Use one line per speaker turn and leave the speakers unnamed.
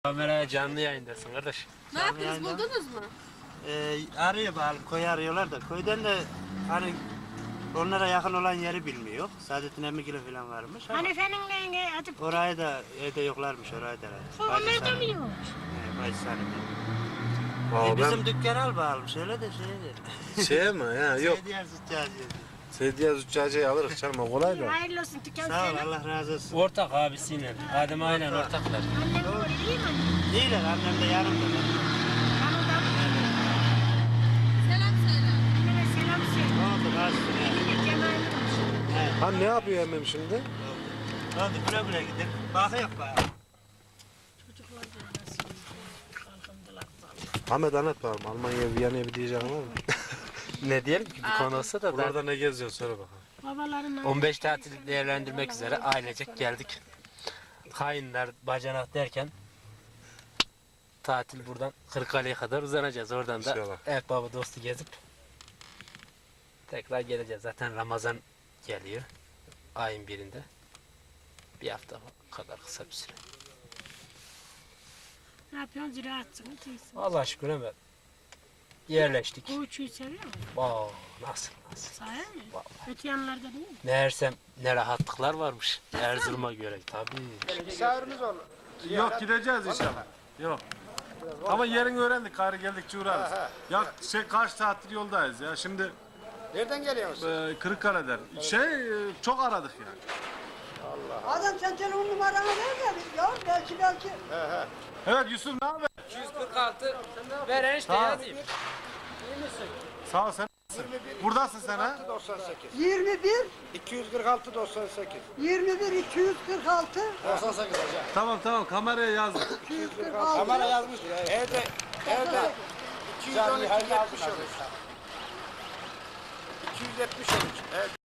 Kameraya canlı yayındasın kardeş.
Ne yaptınız, buldunuz mu?
Arıyor bakalım, koyu arıyorlar da köyden de hani onlara yakın olan yeri bilmiyor. Saadettin Emmigili falan varmış ama
Hanife'nin neyine atıp
orayı da evde yoklarmış orayı da.
onlar da mı yok?
Bacısı
Aa,
bizim dükkan al bakalım şöyle de şeydir.
Şey mi ya yok.
Diğer zıccacı.
Seydiye Züccaciye'yi alırız canım o kolay da.
Hayırlı olsun dükkan
Sağ ol
senin.
Allah razı olsun.
Ortak abisiyle. Adem aynen ortaklar.
Annem doğru iyi mi annem?
İyiler annem de yanımda.
Yanında mı?
Selam söyle.
Anneme selam söyle.
Ne oldu karşısına?
Eline Cemal'in olsun.
Evet.
Ha ne yapıyor emmim şimdi?
Ne oldu güle güle gidin. Bakıyor bakalım.
Çocuklar da nasıl kalkındılar.
Ahmet anlat bakalım. Almanya'ya Viyana'ya bir diyeceğin var mı? Ne diyelim ki bir konu olsa da. Burada ne geziyorsun söyle bakalım.
Babaların
15 tatil değerlendirmek üzere ailecek geldik. Hainler bacanak derken tatil buradan Kırıkkale'ye kadar uzanacağız. Oradan da
İnşallah.
ev baba dostu gezip tekrar geleceğiz. Zaten Ramazan geliyor ayın birinde. Bir hafta kadar kısa bir süre.
ne yapıyorsun? Ziraatçısın. Değilsin.
Allah'a şükür hemen yerleştik.
Koğuçuyu seviyor musun?
Aa, nasıl?
Sahi mi?
Vallahi.
Öte yanlarda değil mi?
Meğersem ne rahatlıklar varmış Erzurum'a göre tabii.
Misafirimiz olur.
Yok gideceğiz inşallah. Yok. Ama yerini öğrendik. Karı geldikçe uğrarız. Ya kaç saattir yoldayız ya. Şimdi
Nereden geliyorsun?
Kırıkkale'den. Çok aradık yani.
Adam sen telefon numaranı ver de ya belki.
Evet Yusuf ne haber?
246 ver enişte
Sağ ol.
yazayım.
Sağ ol sen. Buradasın sen ha?
98.
21
246 98.
21 246
98 hocam.
Tamam kameraya yazdım.
246
Kamera yazmış. Evde 212 70 olur. 270 olur. Evet.